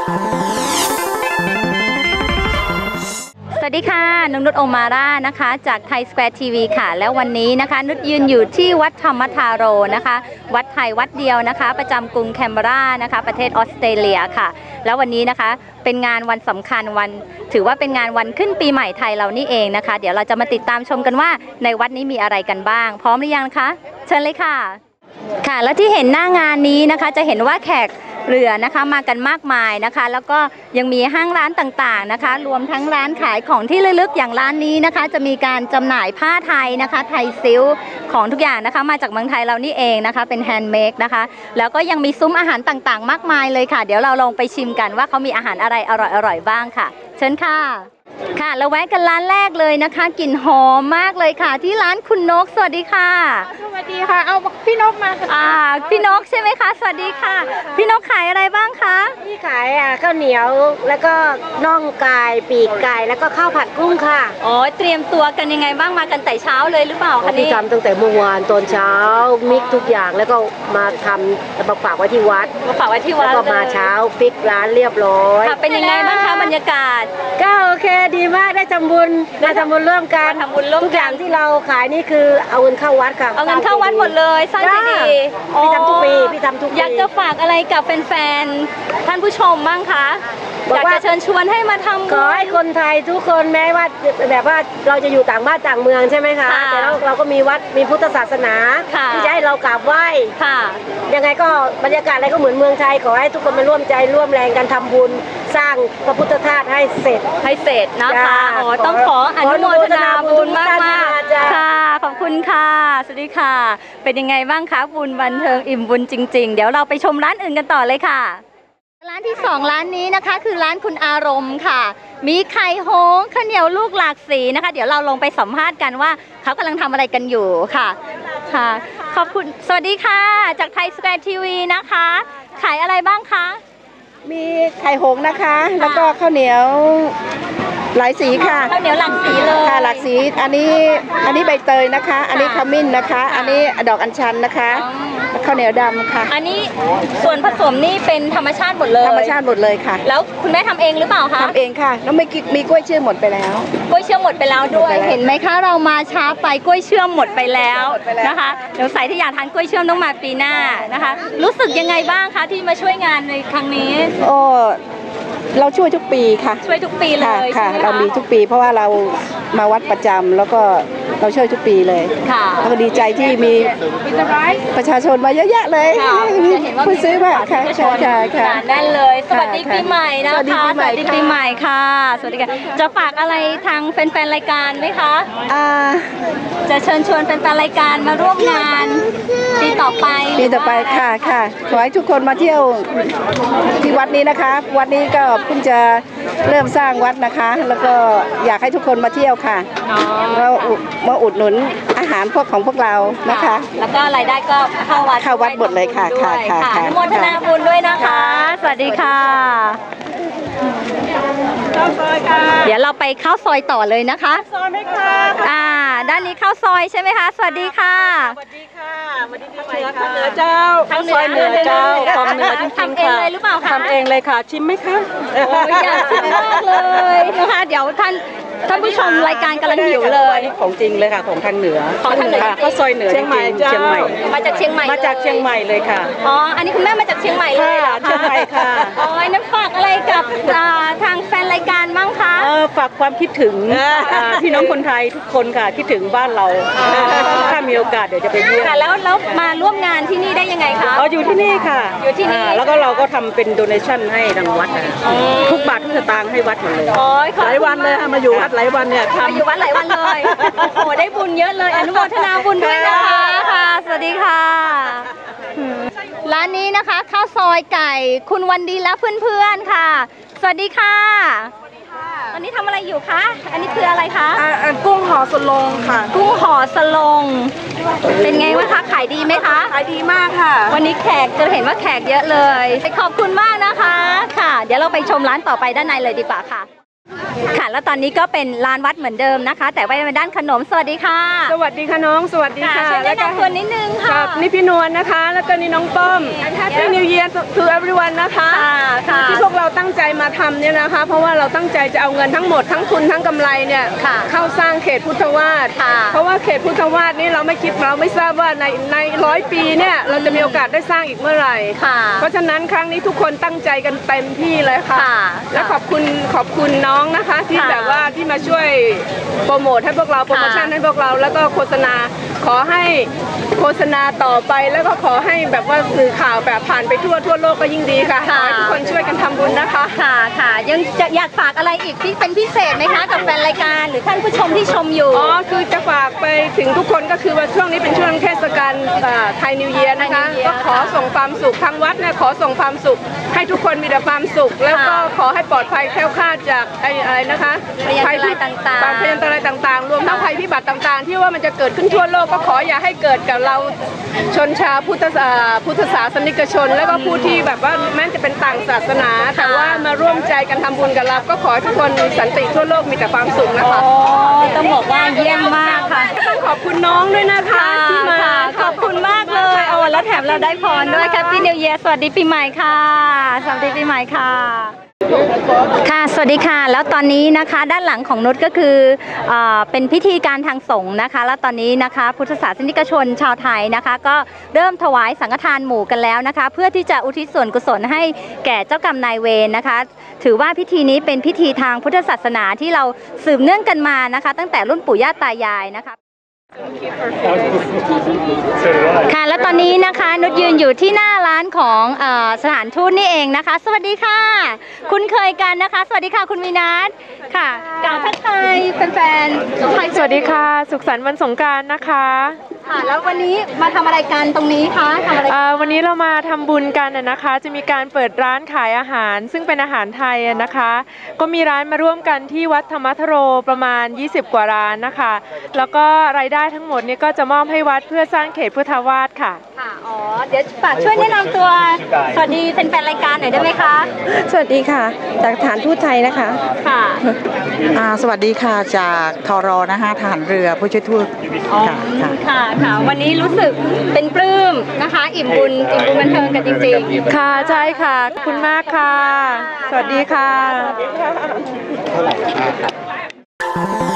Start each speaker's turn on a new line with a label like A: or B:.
A: สวัสดีค่ะนุชโอมาร่านะคะจากไทยสแควร์ทีวีค่ะแล้ววันนี้นะคะนุชยืนอยู่ที่วัดธรรมธาโรนะคะวัดไทยวัดเดียวนะคะประจำกรุงแคนเบอรานะคะประเทศออสเตรเลียค่ะแล้ววันนี้นะคะเป็นงานวันสำคัญวันถือว่าเป็นงานวันขึ้นปีใหม่ไทยเรานี่เองนะคะเดี๋ยวเราจะมาติดตามชมกันว่าในวัดนี้มีอะไรกันบ้างพร้อมหรือยังคะเชิญเลยค่ะค่ะและที่เห็นหน้างานนี้นะคะจะเห็นว่าแขกเรือนะคะมากันมากมายนะคะแล้วก็ยังมีห้างร้านต่างๆนะคะรวมทั้งร้านขายของที่ระลึกอย่างร้านนี้นะคะจะมีการจำหน่ายผ้าไทยนะคะไทยซิลของทุกอย่างนะคะมาจากเมืองไทยเรานี่เองนะคะเป็นแฮนด์เมดนะคะแล้วก็ยังมีซุ้มอาหารต่างๆมากมายเลยค่ะเดี๋ยวเราลองไปชิมกันว่าเขามีอาหารอะไรอร่อยๆบ้างค่ะเชิญค่ะค่ะแล้วแวะกันร้านแรกเลยนะคะกลิ่นหอมมากเลยค่ะที่ร้านคุณนกสวัสดีค่ะ
B: สวัสดีค่ะเอาพี่นกมา
A: พี่นกใช่ไหมคะสวัสดีค่ะพี่นกขายอะไรบ้างคะ
B: พี่ขายข้าวเหนียวแล้วก็น่องไก่ปีกไก่แล้วก็ข้าวผัดกุ้งค่ะ
A: อ๋อเตรียมตัวกันยังไงบ้างมากันแต่เช้าเลยหรือเปล่าคะนี่
B: ทำตั้งแต่เมื่อวานตอนเช้ามิกทุกอย่างแล้วก็มาทำมาฝากไว้ที่วัดแล้วก็มาเช้าฟิกร้านเรียบร้อย
A: ค่ะเป็นยังไงบ้างคะบรรยากาศ
B: ก็โอเคดีมากได้ทำบุญร่วมกันทุกอย่างที่เราขายนี่คือเอาเงินเข้าวัดค่ะ
A: เอาเงินเข้าวัดหมดเลยสร้างใจดี
B: พี่ทำทุกปี
A: อยากจะฝากอะไรกับแฟนๆท่านผู้ชมบ้างคะอยากจะเชิญชวนให้มาทำ
B: ขอให้คนไทยทุกคนแม้ว่าแบบว่าเราจะอยู่ต่างบ้านต่างเมืองใช่ไหมคะแต่เราก็มีวัดมีพุทธศาสนาที่จะให้เรากราบไหว้ยังไงก็บรรยากาศอะไรก็เหมือนเมืองไทยขอให้ทุกคนมาร่วมใจร่วมแรงกันทำบุญสร้างพระพุทธธาตุให้เสร็จ
A: นะคะต้องขออนุโมทนาบุญมากค่ะขอบคุณค่ะสวัสดีค่ะเป็นยังไงบ้างคะบุญบันเทิงอิ่มบุญจริงๆเดี๋ยวเราไปชมร้านอื่นกันต่อเลยค่ะร้านที่2ร้านนี้นะคะคือร้านคุณอารมณ์ค่ะมีไข่โฮงข้าวเหนียวลูกหลากสีนะคะเดี๋ยวเราลงไปสัมภาษณ์กันว่าเขากำลังทำอะไรกันอยู่ค่ะขอบคุณสวัสดีค่ะจากไทยสแควร์ทีวีนะคะขายอะไรบ้างคะ
B: มีไข่หงนะคะแล้วก็ข้าวเหนียวหลายสีค่ะ
A: ข้าวเหนียวหลากสีเลย
B: ค่ะหลากสีอันนี้ใบเตยนะคะอันนี้ขมิ้นนะคะอันนี้ดอกอัญชันนะคะข้าวเหนียวดำค่ะ
A: อันนี้ส่วนผสมนี่เป็นธรรมชาติหมดเลย
B: ธรรมชาติหมดเลยค่ะ
A: แล้วคุณแม่ทำเองหรือเปล่าคะ
B: ทำเองค่ะแล้วมีกล้วยเชื่อมหมดไปแล้ว
A: กล้วยเชื่อมหมดไปแล้วด้วยเห็นไหมคะเรามาช้าไปกล้วยเชื่อมหมดไปแล้วนะคะเดี๋ยวใส่ที่อยากทานกล้วยเชื่อมต้องมาปีหน้านะคะรู้สึกยังไงบ้างคะที่มาช่วยงานในครั้งนี้
B: เราช่วยทุกปีค่ะ
A: ช่วยทุกปีเลย
B: ค่ะเรามีทุกปีเพราะว่าเรามาวัดประจำแล้วก็เราช่วยทุกปีเลย
A: ค่ะ
B: แล้วก็ดีใจที่มีประชาชนมาเยอะแยะเลยผู้ซื้อมาค่ะ
A: แน่นเลยสวัสดีปีใหม่นะคะสวัสดีปีใหม่ค่ะสวัสดีค่ะจะฝากอะไรทางแฟนๆรายการไหมคะจะเชิญชวนแฟนๆรายการมาร่วมงานปีต่อไป
B: ค่ะขอให้ทุกคนมาเที่ยวที่วัดนี้นะคะวัดนี้ก็เพิ่งจะเริ่มสร้างวัดนะคะแล้วก็อยากให้ทุกคนมาเที่ยวค่ะเรามาอุดหนุนอาหารของพวกเรานะคะ
A: แล้วก็รายได้ก็เข้า
B: วัดหมดเลยค่ะ
A: อนุโมทนาบุญด้วยนะคะสวัสดีค่ะเดี๋ยวเราไปข้าวซอยต่อเลยนะคะ
B: ซอยไหมคะ
A: ด้านนี้ข้าวซอยใช่ไหมคะสวัสดีค่ะ
B: สวัสดีค่ะวันนี้ทางเหนือเจ้า
A: ทางซอยเหนือเจ้า
B: ของเหนือจริงๆค่ะ
A: ทำเองเลยหรือเปล่าคะ
B: ทำเองเลยค่ะชิมไหมคะ
A: อยากชิมมากเลยนะคะเดี๋ยวท่านผู้ชมรายการกำลังหิวเลย
B: ของจริงเลยค่ะของทางเหนือข้าวซอยเหนือ
A: เชียงใหม่มาจากเชียงใหม่
B: เลยค่ะ
A: อันนี้คุณแม่มาจากเชียงใหม่เลยเหรอคะ
B: เชียงใหม่ค่ะ
A: นั่นฝากอะไรกับทางแฟนรายการบ้างคะ
B: ฝากความคิดถึงพี่น้องคนไทยทุกคนค่ะคิดถึงบ้านเราถ้ามีโอกาสเดี๋ยวจะไปเยี่ยม
A: แล้วมาร่วมงานที่นี่ได้ยังไงคะ
B: อยู่ที่นี่ค่ะ
A: อยู่ที่นี่
B: แล้วก็เราก็ทำเป็นโดเนชั่นให้ทางวัดทุกบาททุกสตางค์ให้วัดหมดเลยหลายวันเลยมาอยู่วัดหลายวันเนี่ย
A: มาอยู่วัดหลายวันเลยโอ้ได้บุญเยอะเลยอนุโมทนาบุญด้วยนะคะค่ะสวัสดีค่ะร้านนี้นะคะข้าวซอยไก่คุณวันดีและเพื่อนๆค่ะสวัสดีค่ะตอนนี้ทำอะไรอยู่คะอันนี้คืออะไรคะ
B: กุ้งห่อสลงค่ะ
A: กุ้งห่อสลงเป็นไงวะคะขายดีไหมคะ
B: ขายดีมากค่ะ
A: วันนี้แขกจะเห็นว่าแขกเยอะเลยขอบคุณมากนะคะค่ะเดี๋ยวเราไปชมร้านต่อไปด้านในเลยดีกว่าค่ะค่ะแล้วตอนนี้ก็เป็นลานวัดเหมือนเดิมนะคะ แต่ว่าเป็นด้านขนมสวัสดีค่ะ
C: สวัสดีค่ะน้องสวัสดีค่ะ
A: ช่วยแนะนำตัวนิดนึงค่ะ
C: นี่พี่นวลนะคะ แล้วก็นี่น้องป้อม Happy New Year to everyone นะคะที่พวกเราตั้งใจมาทำเนี่ยนะคะ เพราะว่าเราตั้งใจจะเอาเงินทั้งหมดทั้งทุนทั้งกำไรเนี่ยเข้าสร้างเขตพุทธวาสเพราะว่าเขตพุทธวาสนี่เราไม่ทราบว่าใน100 ปีเนี่ยเราจะมีโอกาสได้สร้างอีกเมื่อไหร่เพราะฉะนั้นครั้งนี้ทุกคนตั้งใจกันเต็มที่เลยค่ะและขอบคุณน้องนะคะที่แบบว่าที่มาช่วยโปรโมทให้พวกเราโปรโมชั่นให้พวกเราแล้วก็โฆษณาขอให้โฆษณาต่อไปแล้วก็ขอให้แบบว่าสื่อข่าวแบบผ่านไปทั่วโลกก็ยิ่งดีค่ะขอให้ทุกคนช่วยกันทำบุญนะคะ
A: ค่ะยังจะอยากฝากอะไรอีกที่เป็นพิเศษไหมคะกับแฟนรายการหรือท่านผู้ชมที่ชมอยู่
C: คือจะฝากไปถึงทุกคนก็คือว่าช่วงนี้เป็นช่วงเทศกาลไทยนิวเยียร์นะคะก็ขอส่งความสุขทางวัดเนี่ยขอส่งความสุขให้ทุกคนมีแต่ความสุขแล้วก็ขอให้ปลอดภัยแคล้วคลาดจากอะไรนะคะ
A: ภัยพิบัติต่าง
C: ๆภัยอันตรายต่างๆรวมทั้งภัยพิบัติต่างๆที่ว่ามันจะเกิดขึ้นทั่วโลกก็ขออย่าให้เกิดกับเราชนชาวพุทธศาสนิกชนแล้วก็ผู้ที่แบบว่าแม้จะเป็นต่างศาสนาแต่ว่ามาร่วมใจกันทำบุญกับเราก็ขอให้ทุกคนมีสันติทั่วโลกมีแต่ความสุขนะคะ
A: ต้องบอกว่าเยี่ยมมากค่ะ
C: ต้องขอบคุณน้องด้วยนะคะที่มา
A: ขอบคุณมากเลยแล้วแถมเราได้พรด้วยแฮปปี้นิวเยียร์สวัสดีปีใหม่ค่ะสวัสดีปีใหม่ค่ะค่ะสวัสดีค่ะแล้วตอนนี้นะคะด้านหลังของนุชก็คือเป็นพิธีการทางสงฆ์นะคะแล้วตอนนี้นะคะพุทธศาสนิกชนชาวไทยนะคะก็เริ่มถวายสังฆทานหมู่กันแล้วนะคะเพื่อที่จะอุทิศส่วนกุศลให้แก่เจ้ากรรมนายเวรนะคะถือว่าพิธีนี้เป็นพิธีทางพุทธศาสนาที่เราสืบเนื่องกันมานะคะตั้งแต่รุ่นปู่ย่าตายายนะคะค่ะและตอนนี้นะคะนุชยืนอยู่ที่หน้าร้านของสถานทูตนี่เองนะคะสวัสดีค่ะคุ้นเคยกันนะคะสวัสดีค่ะคุณวินัทค่ะกล่าวทักทายแฟนๆ
D: สวัสดีค่ะสุขสันต์วันสงกรานต์นะคะ
A: ค่ะแล้ววันนี้มาทำอะไรกันตรงนี้คะทำอะไร
D: วันนี้เรามาทำบุญกันนะคะจะมีการเปิดร้านขายอาหารซึ่งเป็นอาหารไทยนะคะก็มีร้านมาร่วมกันที่วัดธรรมทโรประมาณ20 กว่าร้านนะคะแล้วก็รายได้ทั้งหมดนี้ก็จะมอบให้วัดเพื่อสร้างเขตพุทธวาสค่ะ
A: อ๋อเดี๋ยวฝากช่วยแนะนำตัวสวัสดีเป็นแฟนรายการหน่อยได้ไหมคะ
E: สวัสดีค่ะจากฐานทูตไทยนะคะ
A: ค่ะ
E: สวัสดีค่ะจากทรนะคะทหารเรือผู้ช่วยทูต
A: ค่ะวันนี้รู้สึกเป็นปลื้มนะคะอิ่มบุญบันเทิงกันจริงๆ
D: ค่ะใช่ค่ะขอบคุณมากค่ะสวัสดีค่ะ